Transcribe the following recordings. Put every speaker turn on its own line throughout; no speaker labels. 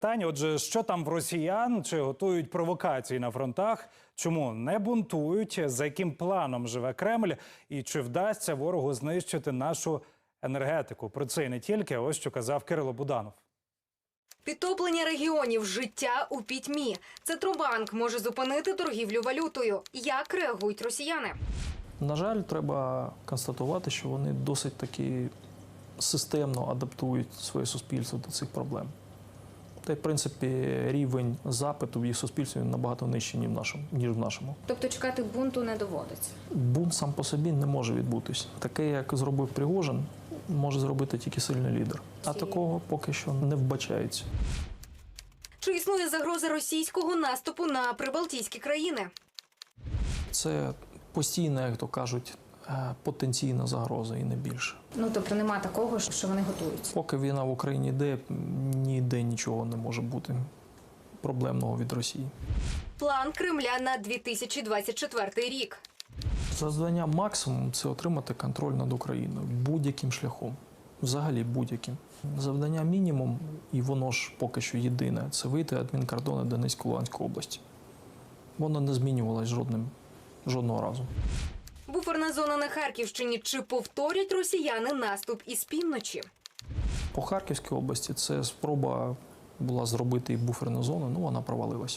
Таня, отже, що там в росіян? Чи готують провокації на фронтах? Чому не бунтують? За яким планом живе Кремль? І чи вдасться ворогу знищити нашу енергетику? Про це і не тільки. Ось що казав Кирило Буданов.
Підтоплення регіонів, життя у пітьмі. Центробанк може зупинити торгівлю валютою. Як реагують росіяни?
На жаль, треба констатувати, що вони досить таки системно адаптують своє суспільство до цих проблем. Та й, в принципі, рівень запиту в їх суспільстві набагато нижчий, ніж в нашому.
Тобто чекати бунту не доводиться?
Бунт сам по собі не може відбутись. Таке, як зробив Пригожин, може зробити тільки сильний лідер. А такого поки що не вбачається.
Чи існує загроза російського наступу на прибалтійські країни?
Це постійна, як то кажуть, потенційна загроза і не більше.
Тобто нема такого, що вони готуються?
Поки війна в Україні йде, ніде нічого не може бути проблемного від Росії.
План Кремля на 2024 рік.
Завдання максимум – це отримати контроль над Україною будь-яким шляхом. Взагалі будь-яким. Завдання мінімум, і воно ж поки що єдине, це вийти адмінкордони Донецької Луганської області. Воно не змінювалось жодного разу.
Буферна зона на Харківщині. Чи повторять росіяни наступ із півночі?
По Харківській області це спроба була зробити і буферну зону, вона провалилась.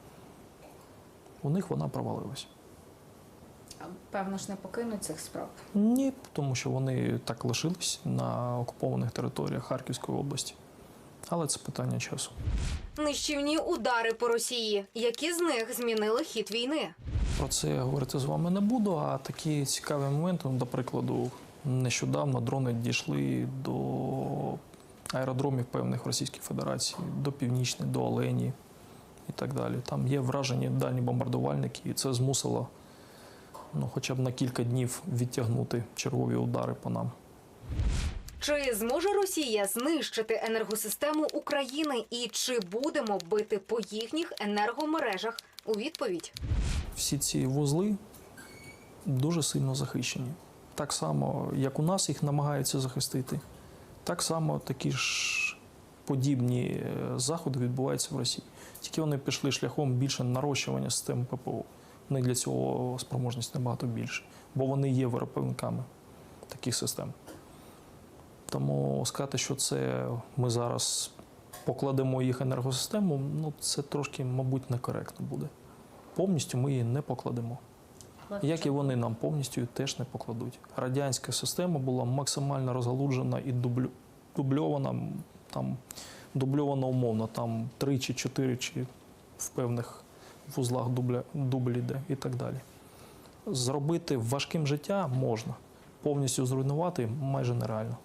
У них вона провалилась.
Певно ж не покинуть цих спроб?
Ні, тому що вони так лишились на окупованих територіях Харківської області. Але це питання часу.
Нищівні удари по Росії. Які з них змінили хід війни?
Про це я говорити з вами не буду, а такі цікаві моменти, до прикладу, нещодавно дрони дійшли до аеродромів певних в Російській Федерації, до Північної, до Олені і так далі. Там є вражені дальні бомбардувальники, і це змусило хоча б на кілька днів відтягнути чергові удари по нам.
Чи зможе Росія знищити енергосистему України і чи будемо бити по їхніх енергомережах? У відповідь.
Всі ці вузли дуже сильно захищені. Так само, як у нас їх намагаються захистити, так само такі ж подібні заходи відбуваються в Росії. Тільки вони пішли шляхом більше нарощування системи ППО. У них для цього спроможність набагато більше, бо вони є виробниками таких систем. Тому сказати, що це ми зараз покладемо їх енергосистему, це трошки, мабуть, некоректно буде. Повністю ми її не покладемо. Як і вони нам повністю теж не покладуть. Радянська система була максимально розгалуджена і дубльована, дубльована умовно, 3 чи 4 чи в певних вузлах дубль іде і так далі. Зробити важким життя можна, повністю зруйнувати майже нереально.